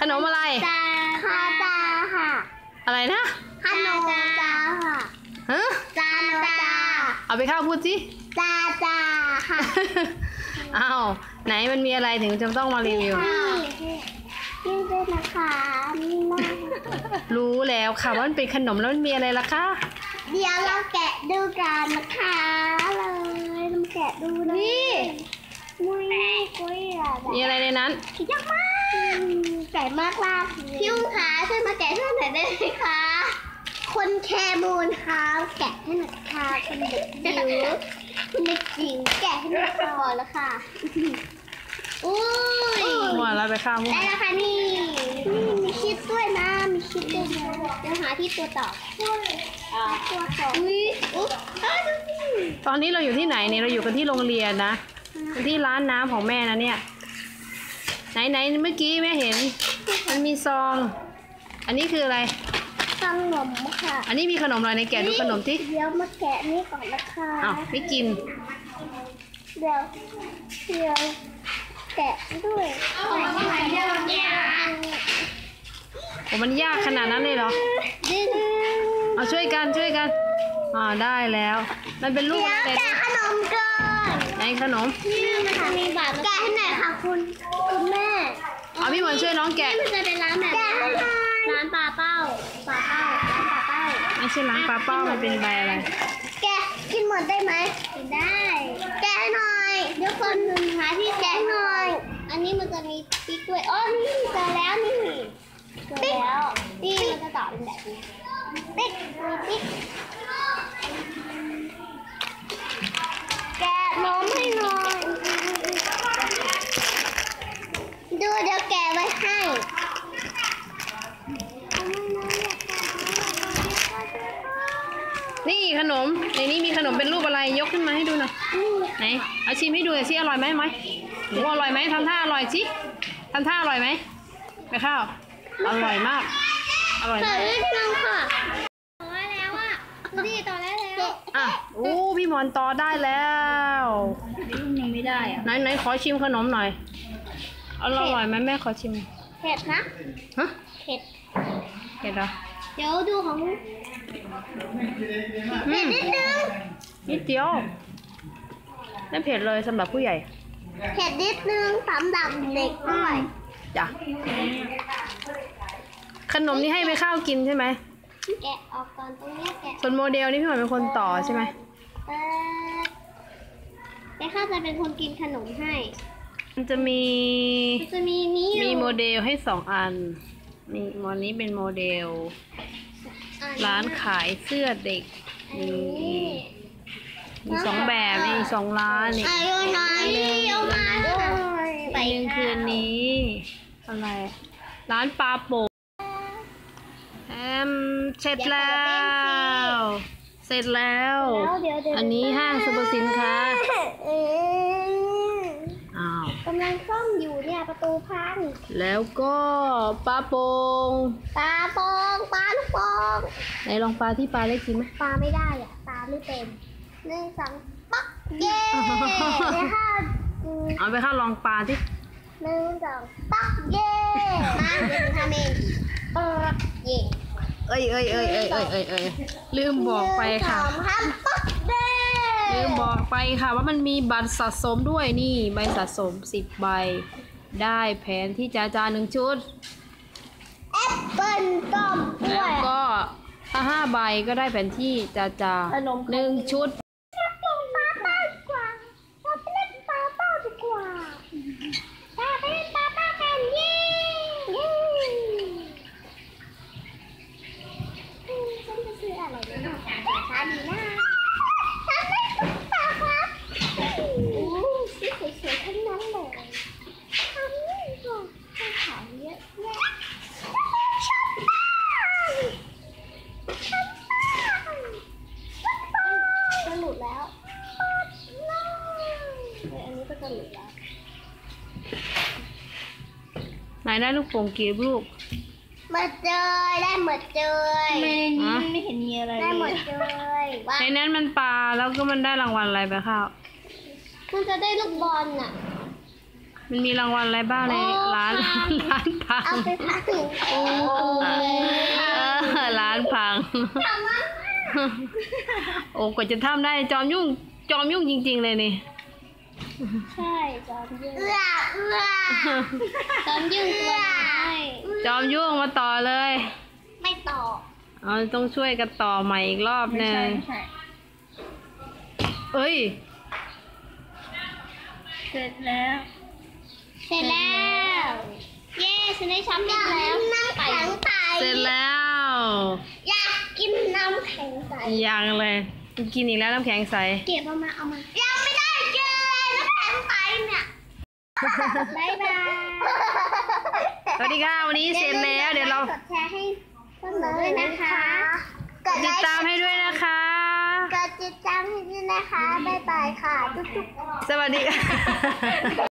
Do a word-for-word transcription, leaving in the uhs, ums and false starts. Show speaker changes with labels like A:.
A: นมอะไร
B: จาคาจาค่ะ
A: อะไรนะ
B: ขนมจาค่ะ
A: ฮะ
B: จาจา
A: เอาไปข้าวพูดสิ
B: จาจาค่ะ
A: อ้าวไหนมันมีอะไรถึงจะต้องมารีวิว
B: นี่ด้วยนะคะนี่มาก
A: รู้แล้วค่ะว่ามันเป็นขนมแล้วมันมีอะไรล่ะคะ
B: เดี๋ยวเราแกะดูกันนะคะเลยเราแกะดูนี่มุ้ยกุ้ยอะไร
A: มีอะไรในนั้น
B: ยากมากแกะมากมากพี่อุ้งขาช่วยมาแกะช่วยหน่อยได้ไหมคะคนแคมูนค่ะแกะให้หน่อยค่ะคนเด็กจิ๋วคุณเด็กจิ๋วแกะให้หน่อยก่อนแล้วค่ะอุ้ย
A: หมดแล้วไปข้าวมุ้ง
B: ได้แล้วค่ะนี่นี่มีชิดด้วยนะมีชิดด้วยนะเดี๋ยวหาที่ตัวต่ออ่าตัวต่ออุ้ยอุ๊ย
A: ตอนนี้เราอยู่ที่ไหนเนี่ยเราอยู่กันที่โรงเรียนนะที่ร้านน้ำของแม่นะเนี่ยไหนไหนเมื่อกี้แม่เห็นมันมีซองอันนี้คืออะไร
B: ขนมค่ะ
A: อันนี้มีขนมอะไรในแกะดูขนมที่
B: เดี๋ยวมาแกะนี่ก่อนนะคะ
A: อ้าวไม่กิน
B: เดี๋ยวเดี๋ยวแกะด้วยโอ้
A: มันยากขนาดนั้นเลยเหรอเอาช่วยกันช่วยกันอ่าได้แล้วมันเป็นลูกอะไร
B: แกะขนมก่อน
A: ไหนขนม
B: นี่นะคะมีบาทแกะให้หน่อยค่ะคุณคุณแม่
A: เอาพี่หมอนช่วยน้องแกะ
B: มันจะเป็นร้านแบบร้านปลาเป้าปลาเป้าร้านปลาเป้า
A: ไม่ใช่ร้านปลาเป้ามันเป็นใบอะไร
B: แกะกินหมดได้ไหมกินได้แกะหน่อยเดี๋ยวคนหนึ่งหาที่แกะหน่อยอันนี้มันจะมีปิ๊กด้วยอ๋อนี่เจอแล้วนี่เจอแล้วนี่มันจะต่อเป็นแบบนี้ปิ๊กมีปิ๊กแกะนมให้หน่อยดูเดี๋ยวแกะไว้ให้
A: นี่ขนมในนี้มีขนมเป็นรูปอะไรยกขึ้นมาให้ดูหน่อยไหนเอาชิมให้ดูสิอร่อยไหมไหมหนูอร่อยไหมทำท่าอร่อยสิทำท่าอร่อยไหมไปข้าวอร่อยมากอร่อยมาก
B: ต่อได้แล้วค่ะต่อได้แล้วอ่ะนี่ต่อได้แล้ว
A: อ่ะโอ้พี่หมอนต่อได้แล้ว
B: ยังไม่ได้อ่ะ
A: ไหนไหนขอชิมขนมหน่อยอร่อยไหมแม่ขอชิม
B: เผ็ดนะ
A: ฮะ
B: เผ็ด
A: เผ็ดเหรอ
B: เดี๋ยวดูของเผ็ดนิดนึง
A: นิดเดียวไม่เผ็ดเลยสำหรับผู้ใหญ่
B: เผ็ดนิดนึงสำหรับเด็กด้วย
A: จ้ะขนมนี่ให้ไปข้าวกินใช่ไหม
B: แกะออกก่อนตรงนี้แกะ
A: ส่วนโมเดลนี่พี่หมอนเป็นคนต่อใช่ไหม
B: เออไปข้าวจะเป็นคนกินขนมให้
A: มันจะมี
B: จะมีนี้
A: มีโมเดลให้สองอันนี่มอนี้เป็นโมเดลร้านขายเสื้อเด็กนี่มีสองแบบนี่สองร้านนี่ไปหนึ่งคืนนี้อะไรร้านปลาโป่งแอมเสร็จแล้วเสร็จแล้วอันนี้ห้างสรรพสินค้าก
B: ำลังซ่อมอยู่เนี่ยประตูพัง
A: แล้วก็ปลาโป่ง
B: ปลาโป่งปลาลูกโป่ง
A: ไหนลองปลาที่ปลาได้กินไหม
B: ปลาไม่ได้อ่ะปลาไม่เป็นหนึ่งสองปักเย่เลยค่ะ
A: เอาไปข้าวลองปลาที่
B: หนึ่งสองปักเย่มาเดี๋ยวทำเองปักเย่
A: เอ้ยเอ้ยเอ้ยเอ้ยเอ้ยเอ้ยเอ้ยลืมบอกไปค่ะลืมบอกไปค่ะว่ามันมีบัตรสะสมด้วยนี่ใบสะสมสิบใบได้แผนที่จาจาหนึ่งชุด
B: แอปเปิ้ลต้ม
A: แล้วก็ถ้าห้าใบก็ได้แผนที่จาจาหนึ่งชุดไหนได้ลูกโป่งกี่ลูก
B: หมดเลยได้หมดเลยไม่ไม่เห็นมีอะไรได้หมดเลย
A: ในนั้นมันปลาแล้วก็มันได้รางวัลอะไรไปข้าว
B: มันจะได้ลูกบอลน่ะ
A: มันมีรางวัลอะไรบ้างในร้านร้านพัง
B: เอาไปพักถึงโอ้
A: เออร้านพัง
B: ทำมัน
A: โอ้กว่าจะทำได้จอมยุ่งจอมยุ่งจริงๆเลยนี่
B: ใช่จอมยุ่งเอื้อเอื้อจอมยุ่งตัวน้อย
A: จอมยุ่งมาต่อเลย
B: ไม่ต่อ
A: เอาต้องช่วยกันต่อใหม่อีกรอบหนึงเอ้ย
B: เสร็จแล้ว เสร็จแล้ว เย้ฉันได้ช้ำแล้วน้ำแข็งใส
A: เสร็จแล้ว
B: อยากกินน้ำแข็งใส
A: ยังเลยกินอีกแล้วน้ำแข็งใส
B: เก็บเอามาเอามายังไม่ได้กินเลยน้ำแข็งใสเนี่ยบ๊ายบาย
A: สวัสดีค่ะวันนี้เสร็จแล้วเดี๋ยวเรา
B: กดแชร์ให้เพื่อนๆด้วยนะคะ
A: ติดตามให้ด้วยนะคะ
B: กดติดตามให้ด้วยนะคะบ๊ายบายค่ะทุกๆ
A: สวัสดีค่ะ